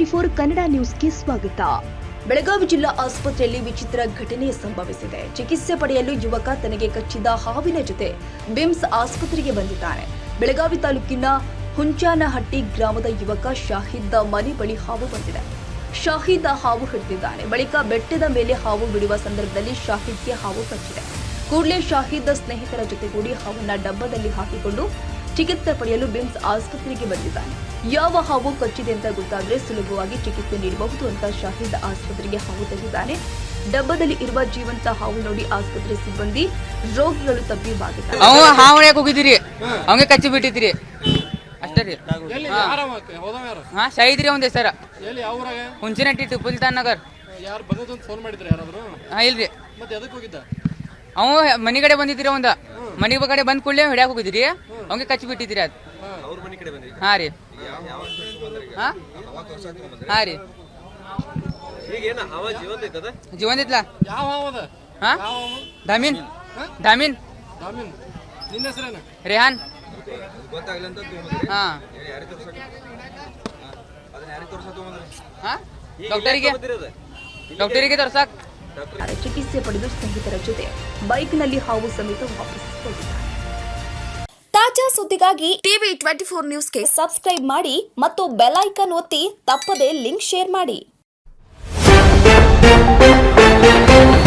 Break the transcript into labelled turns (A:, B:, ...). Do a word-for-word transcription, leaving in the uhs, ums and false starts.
A: Twenty four Kannada ನ್ಯೂಸ್ಗೆ ಸ್ವಾಗತ. ಬೆಳಗಾವಿ ಜಿಲ್ಲಾ ಆಸ್ಪತ್ರೆಯಲ್ಲಿ ವಿಚಿತ್ರ ಘಟನೆ ಸಂಭವಿಸಿದೆ. ಚಿಕಿತ್ಸೆ ಪಡೆಯಲು ಯುವಕ ತನಗೆ ಕಚ್ಚಿದ ಹಾವಿನ ಜೊತೆ ಬಿಮ್ಸ್ ಆಸ್ಪತ್ರೆಗೆ ಬಂದಿದ್ದಾನೆ. ಬೆಳಗಾವಿ ತಾಲೂಕಿನ ಹುಂಚಾನಹಟ್ಟಿ ಗ್ರಾಮದ ಯುವಕ ಶಾಹಿದ್ ಮನೆ ಬಳಿ ಹಾವು ಬಂದಿದೆ. ಶಾಹಿದ್ ಹಾವು ಹಿಡಿದಿದ್ದಾನೆ. ಬಳಿಕ ಬೆಟ್ಟದ ಮೇಲೆ ಹಾವು ಬಿಡುವ ಸಂದರ್ಭದಲ್ಲಿ ಶಾಹಿದ್ಗೆ ಹಾವು ಕಚ್ಚಿದೆ. ಕೂಡಲೇ ಶಾಹಿದ್ ಸ್ನೇಹಿತರ ಜೊತೆಗೂಡಿ ಹಾವನ್ನ ಡಬ್ಬದಲ್ಲಿ ಹಾಕಿಕೊಂಡು ಚಿಕಿತ್ಸೆ ಪಡೆಯಲು ಬಿಮ್ಸ್ ಆಸ್ಪತ್ರೆಗೆ ಬಂದಿದ್ದಾನೆ. ಯಾವ ಹಾವು ಕಚ್ಚಿದೆ ಅಂತ ಗೊತ್ತಾದ್ರೆ ಸುಲಭವಾಗಿ ಚಿಕಿತ್ಸೆ ನೀಡಬಹುದು ಅಂತ ಶಾಹಿದ್ ಆಸ್ಪತ್ರೆಗೆ ಹಾವು ತಂದಿದ್ದಾನೆ. ಡಬ್ಬದಲ್ಲಿ ಇರುವ ಜೀವಂತ ಹಾವು ನೋಡಿ ಆಸ್ಪತ್ರೆ ಸಿಬ್ಬಂದಿ ರೋಗಿಗಳು ತಬ್ಬಿಬ್ಬಾಗಿದ್ದಾರೆ.
B: ಹೋಗಿದ್ದೀರಿ ಅವಂಗೆ ಕಚ್ಚಿ ಬಿಟ್ಟಿದ್ರಿ ಅಷ್ಟೇ ರೀ. ಹಾ ಶಾಹಿದ್ರಿ ಒಂದ್ ಹೆಸರ ಹುಂಚಿನಟ್ಟಿ ಟಿಪ್ಪುಲ್ತಾನ್ ನಗರ್. ಹಾ ಇಲ್ರಿ ಅವ ಮನಿ ಕಡೆ ಬಂದಿದ್ರಿ. ಒಂದ ಮನಿ ಕಡೆ ಬಂದ್ ಕೂಡಲೇ ಹಿಡಿಯಾಕ ಹೋಗಿದ್ರಿ. ಅವಂಗೆ ಕಚ್ಚಿ ಬಿಟ್ಟಿದ್ರಿ ಅದ್. ಹಾ ರೀ ಹಾ ಹಾ ರೀ ಜೀವಂತ ಇತ್ಲ. ಹಾ ದಾಮಿನ್ ದಾಮಿನ್ ರೇಹಾನ್. ಹಾ ಹಾ ಡಾಕ್ಟರಿಗೆ ಡಾಕ್ಟರಿಗೆ ತೋರ್ಸಾಕ್
A: ಚಿಕಿತ್ಸೆ ಪಡೆದು ಸ್ನೇಹಿತರ ಜೊತೆ ಬೈಕ್ನಲ್ಲಿ ಹಾವು ಸಮೇತ ವಾಪಸ್ ಹೋಗಿದ್ದಾರೆ.
C: ತಾಜಾ ಸುದ್ದಿಗಾಗಿ ಟಿವಿ ಟ್ವೆಂಟಿ ಫೋರ್ ನ್ಯೂಸ್ಗೆ ಸಬ್ಸ್ಕ್ರೈಬ್ ಮಾಡಿ ಮತ್ತು ಬೆಲ್ ಐಕಾನ್ ಒತ್ತಿ ತಪ್ಪದೇ ಲಿಂಕ್ ಶೇರ್ ಮಾಡಿ.